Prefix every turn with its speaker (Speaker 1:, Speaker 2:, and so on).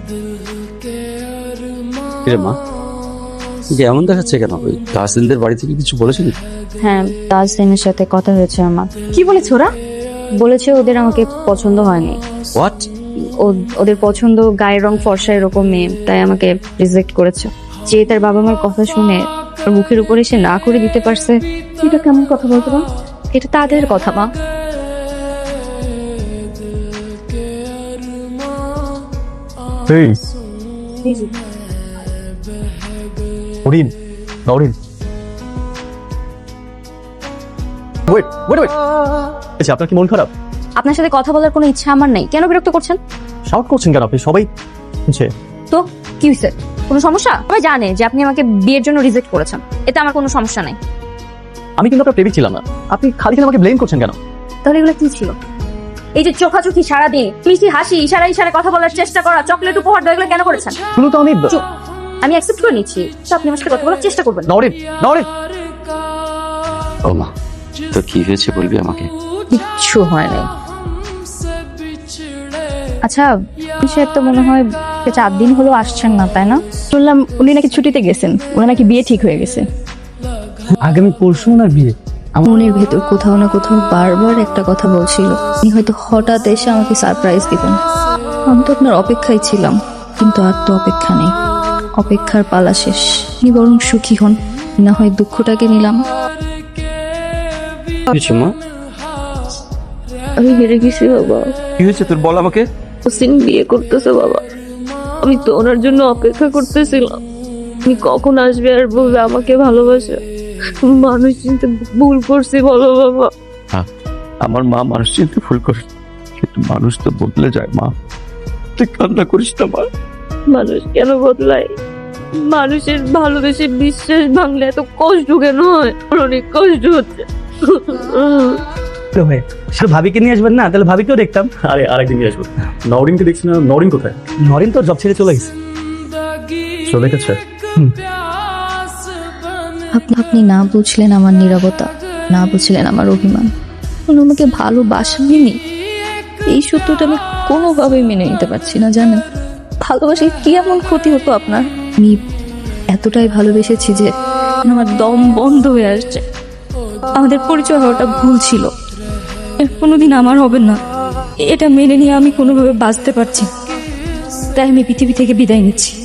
Speaker 1: মা যে এমন দেখাচ্ছে কেন? ওই তাহসিনদের বাড়ি থেকে কিছু বলেছেন?
Speaker 2: হ্যাঁ, তাহসিনের সাথে কথা হয়েছে আমার।
Speaker 3: কি বলেছে ওরা?
Speaker 2: বলেছে ওদের আমাকে পছন্দ হয়নি।
Speaker 1: হোয়াট?
Speaker 2: ওদের পছন্দ গায়ের রং ফর্সা এরকম মেয়ে, তাই আমাকে রিজেক্ট করেছে। যে তার বাবা মার কথা শুনে ওর মুখের উপরে সে না করে দিতে পারছে,
Speaker 3: এটা কেমন কথা বলতো না?
Speaker 2: এটা তাদের কথা মা।
Speaker 4: Norin, Norin, wait wait wait, আচ্ছা আপনার কি মন খারাপ?
Speaker 2: আপনার সাথে কথা বলার কোনো ইচ্ছা আমার নেই। কেন বিরক্ত করছেন?
Speaker 4: শাউট করছেন কেন আপনি? সবাই শুনছে।
Speaker 2: তো কি হয়েছে? কোনো সমস্যা? সবাই জানে যে আপনি আমাকে বিয়ের জন্য রিজেক্ট করেছেন, এতে আমার কোনো সমস্যা নাই।
Speaker 4: আমি কিন্তু আপনার প্রেমিক ছিলাম না, আপনি খালি খালি আমাকে ব্লেম করছেন কেন?
Speaker 2: তাহলে এগুলো কি ছিল? এই যে চোখাচোখি সারাদিন, মিষ্টি হাসি, ইশারা ইশারা কথা বলার চেষ্টা করা, চকলেট উপহার দেওয়া, এগুলো কেন করেছেন?
Speaker 4: শুনো তো,
Speaker 2: আমি অ্যাকসেপ্ট করে নিচ্ছি, তো আপনি আমার সাথে কথা বলার চেষ্টা করবেন।
Speaker 4: নরিন, নরিন,
Speaker 1: ও মা, তো কি হয়েছে বলবি আমাকে?
Speaker 2: কিচ্ছু হয় নাই। আচ্ছা, সাহেব তো মনে হয় 4 দিন হলো আসছেন না, তাই না?
Speaker 3: শুনলাম উনি নাকি ছুটিতে গেছেন, ওনার নাকি বিয়ে ঠিক হয়ে গেছে।
Speaker 5: আগামী পরশু ওনার বিয়ে।
Speaker 3: মনের ভেতর কোথাও না কোথাও বারবার একটা কথা বলছিল, উনি হয়তো হঠাৎ এসে আমাকে সারপ্রাইজ দিবেন। আমি তো আপনার অপেক্ষায় ছিলাম, কিন্তু আর তো অপেক্ষা নেই। অপেক্ষার পালা শেষ। আপনি বরং সুখী হন, না হয় দুঃখটাকে নিলাম।
Speaker 1: কিছু মা,
Speaker 3: আমি হেরে গেছি বাবা।
Speaker 1: কি হয়েছে তোর, বল আমাকে।
Speaker 3: হোসেন বিয়ে করতেছে বাবা। আমি তো ওনার জন্য অপেক্ষা করতেছিলাম, উনি কখন আসবে আর বলবে আমাকে ভালোবাসে। মানুষ চিনতে ভুল করছি বলো বাবা।
Speaker 1: আমার মা মানুষ চিনতে ভুল করে, কিন্তু মানুষ তো বদলে যায় মা। তুই কান্না করিস না মা।
Speaker 3: মানুষ কেন বদলায়? মানুষের ভালোবেসে বিশ্বাস ভাঙলে এত কষ্ট কেন হয়? আমার অনেক কষ্ট হচ্ছে।
Speaker 5: শুধু ভাবিকে নিয়ে আসবেন না, তাহলে ভাবিকেও দেখতাম।
Speaker 4: আরে আরেকদিন নিয়ে আসবো। নরিনকে দেখছি না, নরিন কোথায়?
Speaker 5: নরিন তো জব ছেড়ে চলে গেছে।
Speaker 4: চলে গেছে?
Speaker 3: আপনি না বুঝলেন আমার নীরবতা, না বুঝলেন আমার অভিমান। উনি আমাকে ভালোবাসেননি, এই সত্যটা আমি কোনোভাবেই মেনে নিতে পারছি না। জানেন, ভালোবাসে কি এমন ক্ষতি হতো আপনার? আমি এতটাই ভালোবেসেছি যে আমার দম বন্ধ হয়ে আসছে। আমাদের পরিচয় হওয়াটা ভুল ছিল, এর কোনোদিন আমার হবে না। এটা মেনে নিয়ে আমি কোনোভাবে বাঁচতে পারছি না। তাই আমি পৃথিবী থেকে বিদায় নিচ্ছি।